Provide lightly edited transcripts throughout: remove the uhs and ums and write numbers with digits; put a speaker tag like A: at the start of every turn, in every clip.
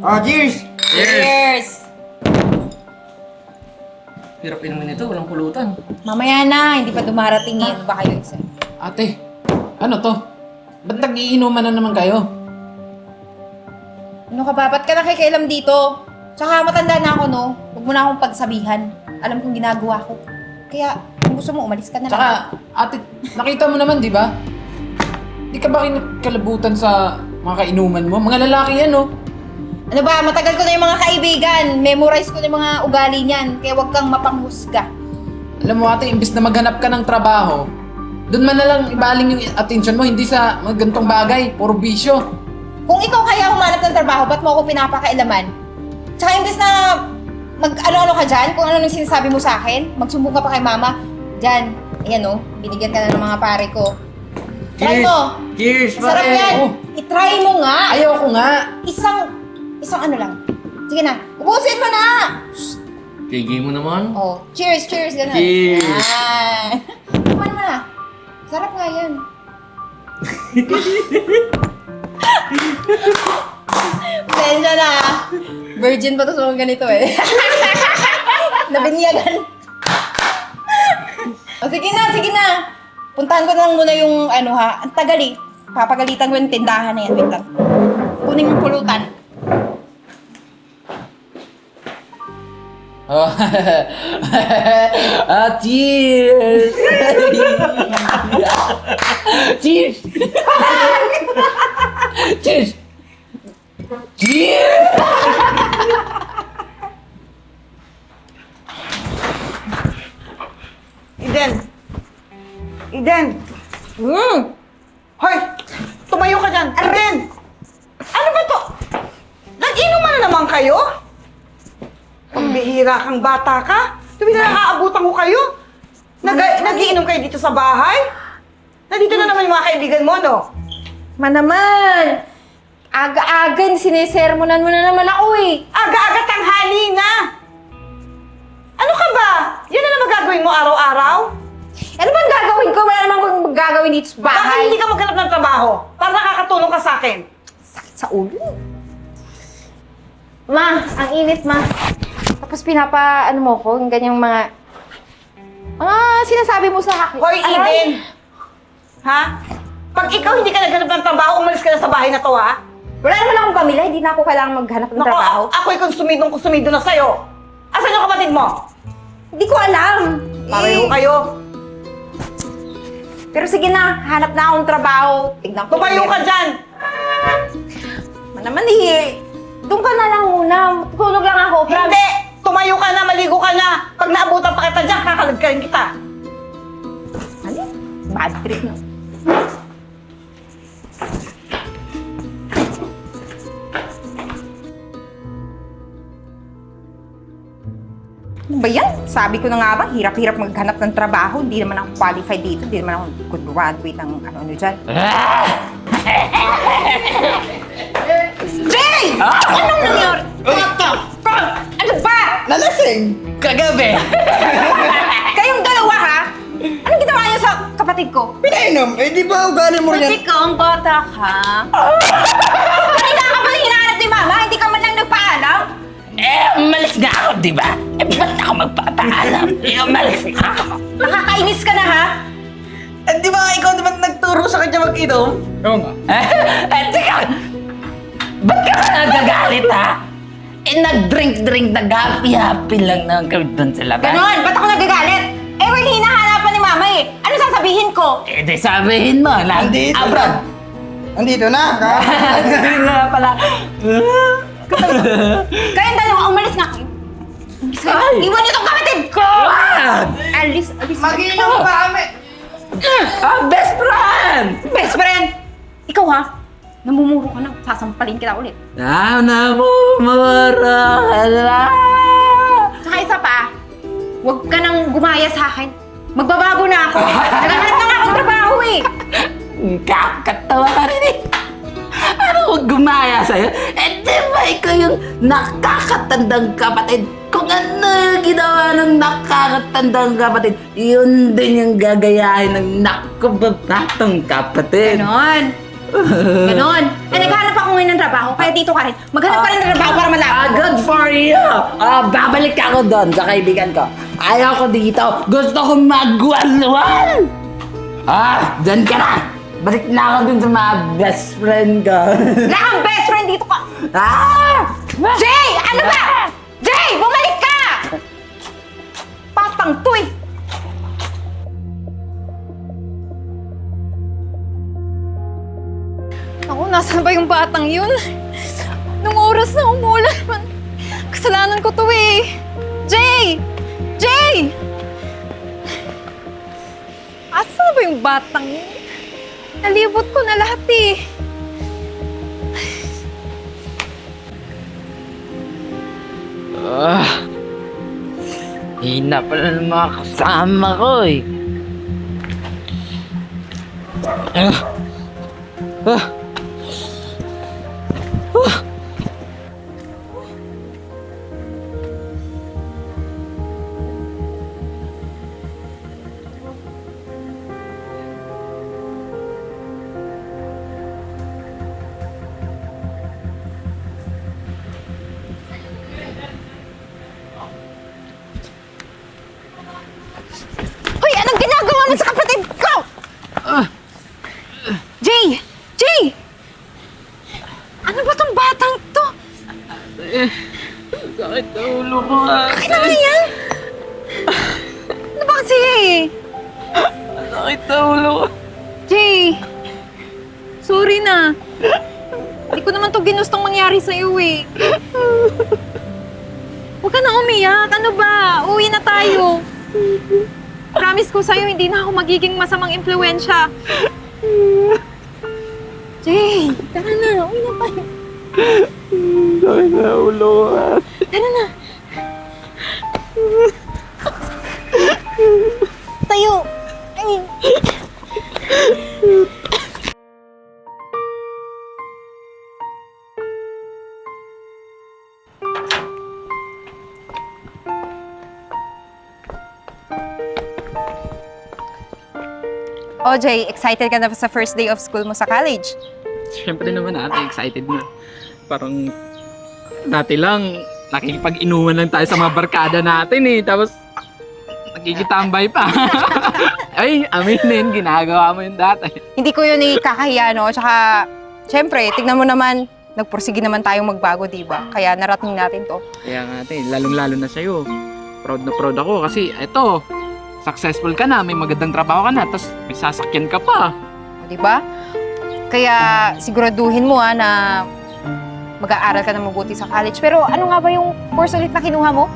A: Oh, cheers!
B: Cheers!
C: Hirap inumin ito, walang pulutan.
B: Mamaya na, hindi pa dumarating eh. Ano ba kayo isa?
D: Ate, ano to? Ba't nag-iinuman na naman kayo?
B: Ano ka ba? Ba't ka nakikialam dito? Tsaka matanda na ako, no? Huwag mo na akong pagsabihan. Alam kong ginagawa ko. Kaya, kung gusto mo, umalis ka na lang.
D: Tsaka, ate, nakita mo naman, di ba? Di ka ba kinakalabutan sa mga kainuman mo? Mga lalaki yan, no?
B: Ano ba? Matagal ko na yung mga kaibigan. Memorize ko na yung mga ugali niyan. Kaya huwag kang mapanghusga.
D: Alam mo, ate, imbis na maghanap ka ng trabaho, doon man na lang ibaling yung attention mo, hindi sa mga gantong bagay, puro bisyo.
B: Kung ikaw kaya humanap ng trabaho, ba't mo ako pinapakailaman? Tsaka imbes na mag-ano-ano ka dyan, kung ano nang sinasabi mo sa akin, magsumbong ka pa kay mama, dyan, ayan o, binigyan ka na ng mga pare ko. Try mo!
A: Cheers!
B: Sarap
A: pare.
B: yan!
D: Oh.
B: I-try mo nga!
D: Ayoko nga.
B: Isang ano lang. Sige na, ubusin mo na!
C: Tigay mo naman.
B: Oh, cheers, cheers, gano'n.
A: Cheers.
B: Yan. Kuman mo na. Sarap nga yan. Pasensya na. Virgin pa to sa mga ganito eh. Nabinyagan. O sige na, sige na. Puntahan ko na lang muna yung ano ha. Ang tagal eh. Papagalitan ko yung tindahan na yan. Wait lang. Kunin yung pulutan.
D: Oh. Cheers! Cheers! Cheers! Cheers!
E: Eden! Eden! Hoy! Tumayo ka dyan! Eden! Ano ba to? Nag-inuman na naman kayo? Pambihira kang bata ka? Tuwi na nakaabutan ko kayo? Nag-iinom kayo dito sa bahay? Nandito na naman yung mga kaibigan mo, no?
B: Manaman! Aga-aga, sinisermonan mo na naman ako eh.
E: Aga-aga tanghali na! Ano ka ba? Yan na naman gagawin mo araw-araw?
B: Ano bang gagawin ko? Wala naman kung gagawin dito sa
E: Bakit
B: bahay.
E: hindi ka maghanap ng trabaho? Para nakakatulong ka sa akin?
B: Sakit sa ulo. Ma, ang init, ma. Tapos ano mo ko, yung ganyang mga sinasabi mo sa akin.
E: Hoy, Eden! Ha? Pag ikaw hindi ka naghanap ng trabaho, umalis ka na sa bahay na to, ha?
B: Wala naman akong pamilya, hindi na ako kailangang maghanap ng
E: Naku,
B: trabaho.
E: ako'y konsumido na sa'yo. Asan yung kapatid mo?
B: Hindi ko alam.
E: Pareho kayo.
B: Pero sige na, hanap na akong trabaho. Tignan ko.
E: Tumayo ka dyan!
B: Naman eh. Doon ka na lang muna. Tulog lang ako.
E: Hindi! Tumayo ka na, maligo ka na. Pag naabutan pa kita dyan, kakalagkarin kita.
B: Ano? Bad trip na. Ano ba yan? Sabi ko na nga ba, hirap-hirap maghanap ng trabaho. Hindi naman ako qualified dito. Hindi naman ako graduate ng ano dyan. Jay! Anong nangyari?
A: What the fuck?
B: Ano ba?
A: Nalasing! Kagabi!
B: Kayong dalawa ha? Anong ginawa niyo sa kapatid ko?
A: Pinainom! Eh, di ba ugali mo
B: Kasi
A: rin?
B: ikaw ang bata ka. Kanina ka pa hinahanap ni Mama, hindi ka man lang nagpaalam.
C: Umalis na ako, di ba? Ba't ako magpapaalam? Umalis na ako.
B: Nakakainis ka na ha?
A: Eh, di ba ikaw naman nagturo sa kanya mag-inom?
D: Oo nga.
C: Teka, ba't ka nagagalit, ha? Nag-drink-drink, nag-happy-happy lang naman kami doon sa labas.
B: Ganon, ba't ako nagagalit? Eh, wala hinahanapan ni Mama eh. Ano sasabihin ko?
C: Di sabihin mo,
A: Nandito
C: abroad.
A: na. Nandito na.
C: Hindi nga pala.
B: Kayong dalawa, umalis nga kayo. Umalis kayo.
C: Ay!
B: Iwan niyo tong kapatid ko!
C: What?
B: Alis.
A: Mag-inom pa kami.
C: Best friend!
B: Best friend! Ikaw ha? Namumuro ka na. Sasampalin kita ulit.
C: Namumuro ka na.
B: Tsaka isa pa, huwag ka nang gumaya sa akin. Magbabago na ako. Naghahanap na nga akong trabaho eh.
C: Kakatawa ka rin eh. Ano huwag gumaya sa'yo? Di ba ikaw yung nakakatandang kapatid? Kung ano yung ginawa ng nakakatandang kapatid, yun din yung gagayahin ng nakubabatang kapatid.
B: Ganon. Ganon. Eh, naghanap ako ngayon ng trabaho, kaya dito ka rin. Maghanap ka rin ng trabaho para malaman.
C: Good for you! Babalik ako doon sa kaibigan ko. Ayaw ko dito. Gusto ko magwalwal! Dyan ka na! Balik na ako dun sa mga best friend ko.
B: Wala kang best friend dito ka!
C: ah!
B: Jay! Ano ba? Jay! Bumalik ka! Patang to eh!
F: Ako, nasaan ba yung batang yun? Nung oras na umulan, kasalanan ko to eh. Jay! Jay! Asan ba yung batang yun? Nalibot ko na lahat eh.
C: Hina pala ng mga kasama ko eh.
B: Hoy! Anong ginagawa mo sa kapatid ko? Jay! Jay! Ano ba tong batang to?
C: Sakit na ulo ko
B: Bakit naman yan? Ano ba kasi?
C: Sakit na ulo ko.
F: Jay! Sorry na. Hindi ko naman to ginustong mangyari sa'yo eh. Huwag ka na umiyak. Ano ba? Uwi na tayo. Promise ko sa'yo, hindi na ako magiging masamang impluensya. Jay, tara na. Uwi na tayo.
C: Sakit na ulo ko.
F: Tara na. Tayo. Ay.
B: Oh, Jay, excited ka na sa first day of school mo sa college?
D: Siyempre naman ate, excited na. Parang dati lang, nakikipag-inuman lang tayo sa mga barkada natin eh. Tapos, nagkikitambay pa. Ay, aminin, ginagawa mo yun dati.
B: Hindi ko yun ikakahiya, no? Tsaka, syempre, tignan mo naman, nagpursige naman tayong magbago, di ba? Kaya narating natin to.
D: Kaya nga ate, lalong-lalo na sa'yo. Proud na proud ako kasi eto, successful ka na, may magandang trabaho ka na, tapos may sasakyan ka pa.
B: Di ba? Kaya siguraduhin mo na mag-aaral ka na mabuti sa college. Pero ano nga ba yung course ulit na kinuha mo?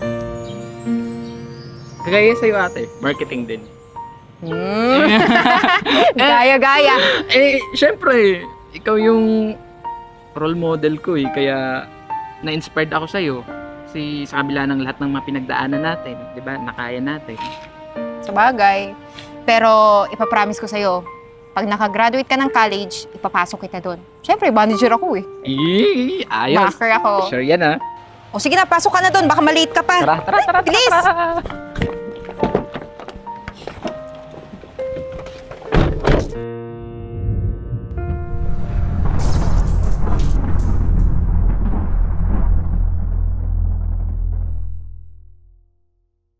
D: Kagaya sa'yo ate, marketing din.
B: Gaya-gaya.
D: Syempre, ikaw yung role model ko eh, kaya na-inspired ako sa'yo. Kasi sa kabila ng lahat ng mga pinagdaanan natin, di ba, nakaya natin.
B: Sabagay. Pero ipapromise ko sa'yo, pag nakagraduate ka ng college, ipapasok kita doon. Siyempre, manager ako eh.
D: Ayos.
B: Backer ako.
D: Sure yan ah.
B: O sige na, pasok ka na doon. Baka maliit ka pa.
D: Tara.
B: Bilis!